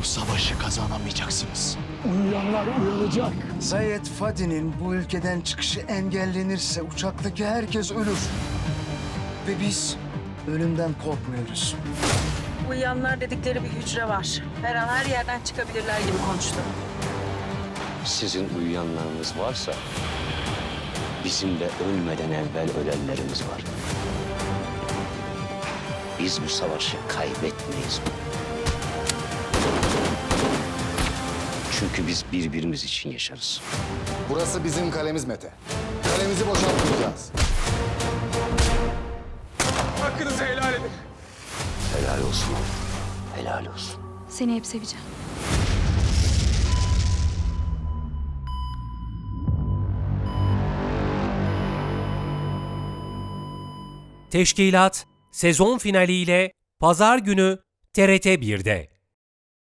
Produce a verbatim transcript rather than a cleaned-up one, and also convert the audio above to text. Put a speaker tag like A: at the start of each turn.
A: savaşı kazanamayacaksınız.
B: Uyuyanlar uyanacak.
C: Zayed Fadi'nin bu ülkeden çıkışı engellenirse uçaktaki herkes ölür. Ve biz ölümden korkmuyoruz.
D: Uyuyanlar dedikleri bir hücre var. Her an her yerden çıkabilirler gibi konuştu.
E: Sizin uyuyanlarınız varsa bizim de ölmeden evvel ölenlerimiz var. Biz bu savaşı kaybetmeyiz. Çünkü biz birbirimiz için yaşarız.
F: Burası bizim kalemiz Mete. Kalemizi boşaltmayacağız.
G: Hakkınızı helal edin.
E: Helal olsun. Helal olsun.
H: Seni hep seveceğim.
I: Teşkilat sezon finaliyle Pazar günü T R T bir'de.